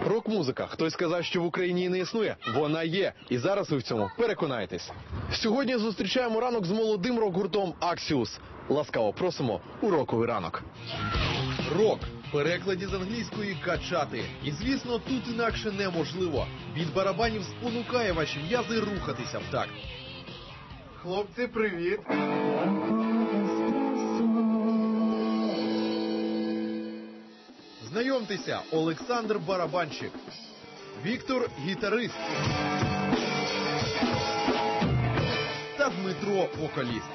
Рок-музика. Хтось сказав, що в Україні її не існує. Вона є. І зараз ви в цьому переконаєтесь. Сьогодні зустрічаємо ранок з молодим рок-гуртом «Аксіус». Ласкаво просимо у роковий ранок. Рок. В перекладі з англійської «качати». І, звісно, тут інакше неможливо. Від барабанів спонукає ваші м'язи рухатися в такт. Хлопці, привіт! Знайомтеся, Олександр – барабанщик, Віктор – гітарист та Дмитро – вокаліст.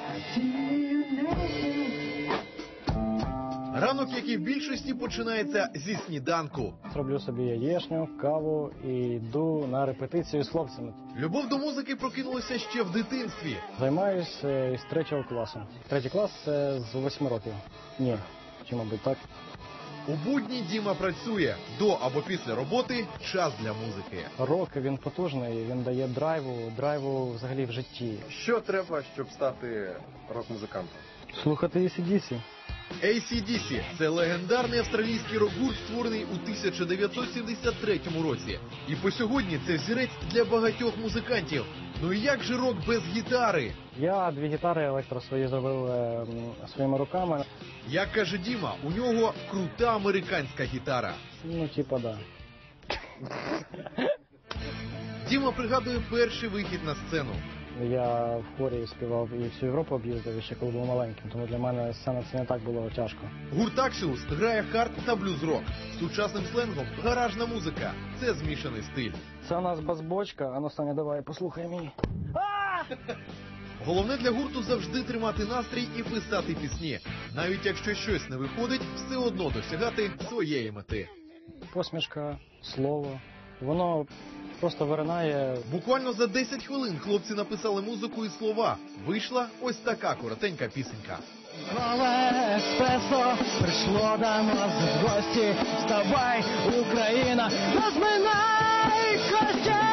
Ранок, як і в більшості, починається зі сніданку. Роблю собі яєчню, каву і йду на репетицію з хлопцями. Любов до музики прокинулася ще в дитинстві. Займаюся із 3 класу. 3 клас – це з 8 років. Ні, чи, мабуть, так. У будні Діма працює. До або після роботи – час для музики. Рок, він потужний, він дає драйву взагалі в житті. Що треба, щоб стати рок-музикантом? Слухати AC/DC. AC/DC – це легендарний австралійський рок-гурт, створений у 1973 році. І по сьогодні це взірець для багатьох музикантів. Ну і як же рок без гітари? Я 2 гітари електро свої зробив своїми руками. Як каже Діма, у нього крута американська гітара. Ну, типа, да. Діма пригадує перший вихід на сцену. Я в хорі співав і всю Європу об'їздив, ще коли був маленьким, тому для мене сцена це не так було тяжко. Гурт «Аксіус» грає хард та блюз-рок. Сучасним сленгом – гаражна музика. Це змішаний стиль. Це у нас бас-бочка, а ну, Саня, давай, послухай мені. Головне для гурту завжди тримати настрій і писати пісні. Навіть якщо щось не виходить, все одно досягати своєї мети. Посмішка, слово, воно просто виринає. Буквально за 10 хвилин хлопці написали музику і слова. Вийшла ось така коротенька пісенька. Нове еспресо прийшло до нас в гості. Вставай, Україна, розминай кості.